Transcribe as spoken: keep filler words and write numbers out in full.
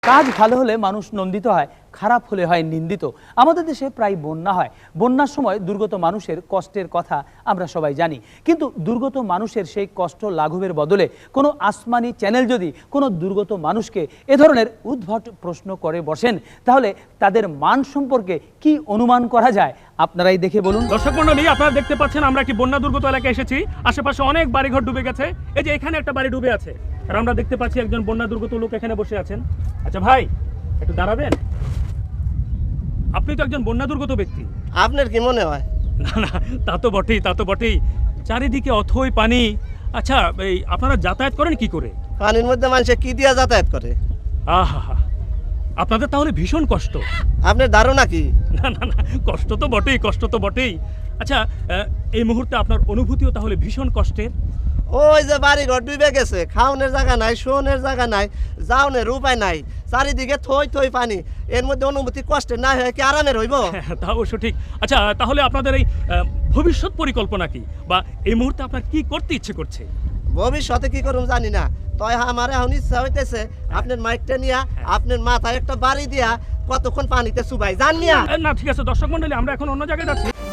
কাজ ভালো হলে মানুষ নন্দিত হয়, খারাপ হলে হয় নিন্দিত। আমাদের দেশে প্রায় বন্যা হয়। বন্যার সময় দুর্গত মানুষের কষ্টের কথা আমরা সবাই জানি, কিন্তু দুর্গত মানুষের সেই কষ্ট লাঘবের বদলে কোনো আসমানি চ্যানেল যদি কোনো দুর্গত মানুষকে এ ধরনের উদ্ভট প্রশ্ন করে বসেন, তাহলে তাদের মান সম্পর্কে কি অনুমান করা যায় আপনারাই দেখে বলুন। দর্শক মণ্ডলী, আপনারা দেখতে পাচ্ছেন আমরা একটি বন্যা দুর্গত এলাকায় এসেছি। আশেপাশে অনেক বাড়িঘর ডুবে গেছে। এই যে এখানে একটা বাড়ি ডুবে আছে, আর আমরা দেখতে পাচ্ছি একজন বন্যা দুর্গত লোক এখানে বসে আছেন। আচ্ছা ভাই, একটু দাঁড়াবেন? আপনি তো একজন বন্যা দুর্গত ব্যক্তি। আপনার কি মনে হয়? না না, তা তো বটেই, তা তো বটেই। চারিদিকে অথই পানি। আচ্ছা, এই আপনারা যাতায়াত করেন কি করে? পানির মধ্যে মানুষে কি দিয়া যাতায়াত করে? আহা হা, আপনাদের তাহলে ভীষণ কষ্ট। আপনার ধারণা কি? না না না, কষ্ট তো বটেই, কষ্ট তো বটেই। আচ্ছা, এই মুহূর্তে আপনার অনুভূতিও তাহলে ভীষণ কষ্টের। ওই যে বাড়ি ঘর ডুবে গেছে, খাওনের জায়গা নাই, শোনের জায়গা নাই, যাওনের উপায় নাই, চারিদিকে থই থই পানি। এর মধ্যে অনুভূতি কষ্টের না হয় কি আরামের হইব? তা অবশ্য ঠিক। আচ্ছা, তাহলে আপনাদের এই ভবিষ্যৎ পরিকল্পনা কি, বা এই মুহূর্তে আপনার কি করতে ইচ্ছে করছে? ভবিষ্যতে কি করুম জানি না, তয় আমার এখন ইচ্ছা হইতেছে আপনার মাইকটা নিয়া আপনার মাথায় একটা বাড়ি দিয়া কতক্ষণ পানিতে চুবাই জান মিয়া। না ঠিক আছে দর্শক মন্ডলী, আমরা এখন অন্য জায়গায় যাচ্ছি।